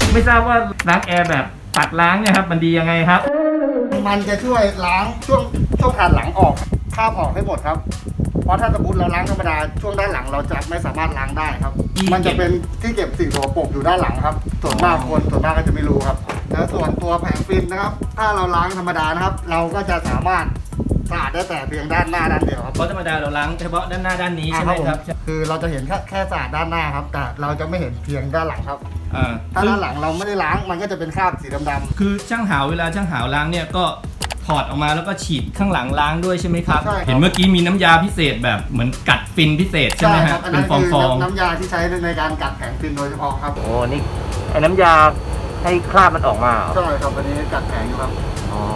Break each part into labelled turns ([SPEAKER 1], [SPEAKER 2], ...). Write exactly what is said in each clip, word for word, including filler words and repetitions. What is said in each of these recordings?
[SPEAKER 1] ไม่ทราบว่าล้างแอร์แบบตัดล้างเนี่ยครับมันดียังไงครับ
[SPEAKER 2] มันจะช่วยล้างช่วงช่วงผ่านหลังออกคราบออกให้หมดครับเพราะถ้าสมมติเราล้างธรรมดาช่วงด้านหลังเราจะไม่สามารถล้างได้ครับมันจะเป็นที่เก็บสิ่งสกปรกอยู่ด้านหลังครับส่วนมากคนส่วนมากก็จะไม่รู้ครับแล้วส่วนตัวแผงฟิล์มนะครับถ้าเราล้างธรรมดานะครับเราก็จะสามารถสะอาดได้แต่เพียงด้านหน้าด้านเดียวครับ
[SPEAKER 1] เพราะธรรมดาเราล้างเฉพาะด้านหน้าด้านนี้ใช่ไหมครับ
[SPEAKER 2] คือเราจะเห็นแค่แค่สะอาดด้านหน้าครับแต่เราจะไม่เห็นเพียงด้านหลังครับถ้าด้านหลังเราไม่ได้ล้างมันก็จะเป็นคราบสีดำๆ
[SPEAKER 1] คือช่างหาวเวลาช่างหาวล้างเนี่ยก็ถอดออกมาแล้วก็ฉีดข้างหลังล้างด้วยใช่ไหมครับเห็นเมื่อกี้มีน้ำยาพิเศษแบบเหมือนกัดฟินพิเศษใช่ไหมฮะ
[SPEAKER 2] เป็นฟองฟองน้ำยาที่ใช้ในการกัดแผงฟินโดยเฉพาะครับ
[SPEAKER 1] โอ้นี่ไอ้น้ำยาให้คราบมันออกมา
[SPEAKER 2] ใช่ครับอันนี้กัดแผงอยู่ครับ
[SPEAKER 1] อ๋อ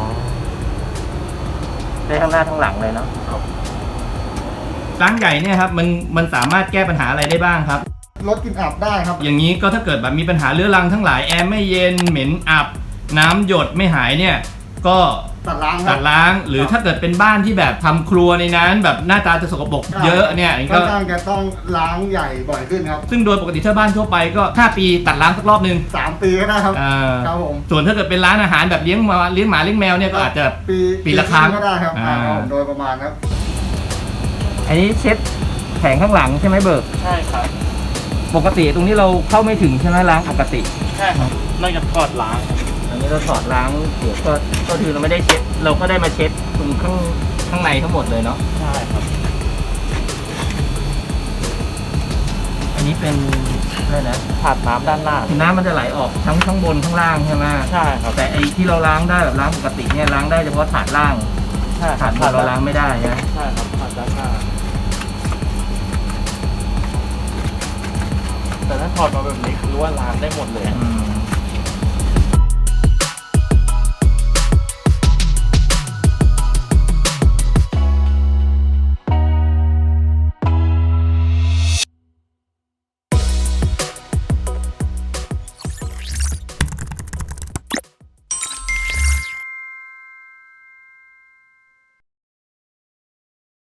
[SPEAKER 1] ได้ทั้งหน้าทั้งหลังเลยเนาะล้างใหญ่เนี่ยครับมันมันสามารถแก้ปัญหาอะไรได้บ้างครับ
[SPEAKER 2] ลดกลิ่นอับได้ครับ
[SPEAKER 1] อย่างนี้ก็ถ้าเกิดแบบมีปัญหาเรื้อรังทั้งหลายแอร์ไม่เย็นเหม็นอับน้ำหยดไม่หายเนี่ยก็
[SPEAKER 2] ตัดล้าง
[SPEAKER 1] ตัดล้างหรือถ้าเกิดเป็นบ้านที่แบบทำครัวในนั้นแบบหน้าตาจะสกปรกเยอะเนี่ย
[SPEAKER 2] ก็ต้องจะต้องล้างใหญ่บ่อยขึ้นครับ
[SPEAKER 1] ซึ่งโดยปกติถ้าบ้านทั่วไปก็ห้าปีตัดล้างสักรอบนึง
[SPEAKER 2] สามปีก็ได้ครับครับผม
[SPEAKER 1] ส่วนถ้าเกิดเป็นร้านอาหารแบบเลี้ยงมาเลี้ยงหมาเลี้ยงแมวเนี่ยก็อาจจะ
[SPEAKER 2] ปี
[SPEAKER 1] ปีละครั้ง
[SPEAKER 2] ก็ได้ครับโดยประมาณครับ
[SPEAKER 1] อันนี้เช็ดแผงข้างหลังใช่ไหมเบิก
[SPEAKER 3] ใช่ครับ
[SPEAKER 1] ปกติตรงนี้เราเข้าไม่ถึงใช่ไหมล้างปกติ
[SPEAKER 3] ใช่ครับนอกจากถอดล้าง
[SPEAKER 1] อันนี้เราถอดล้างเดี๋ยวก็ก็คือเราไม่ได้เช็ดเราก็ได้มาเช็ดตรงข้างข้างในทั้งหมดเลยเนาะ
[SPEAKER 3] ใช่ครับ
[SPEAKER 1] อันนี้เป็นอะไรนะ
[SPEAKER 3] ถาดน้ำด้านหน้า
[SPEAKER 1] น้ำมันจะไหลออกทั้งข้างบนข้างล่างใช่ไหม
[SPEAKER 3] ใช่ครับ
[SPEAKER 1] แต่ไอ้ที่เราล้างได้แบบล้างปกติเนี่ยล้างได้เฉพาะถาดล่าง
[SPEAKER 3] ใช่
[SPEAKER 1] ถาดบนเราล้างไม่ได้ใช่
[SPEAKER 3] ใช่ครับถาดด้านหน้าแต่ถ้าถอดมาแบบนี้คือว่าล้างได้หมดเลย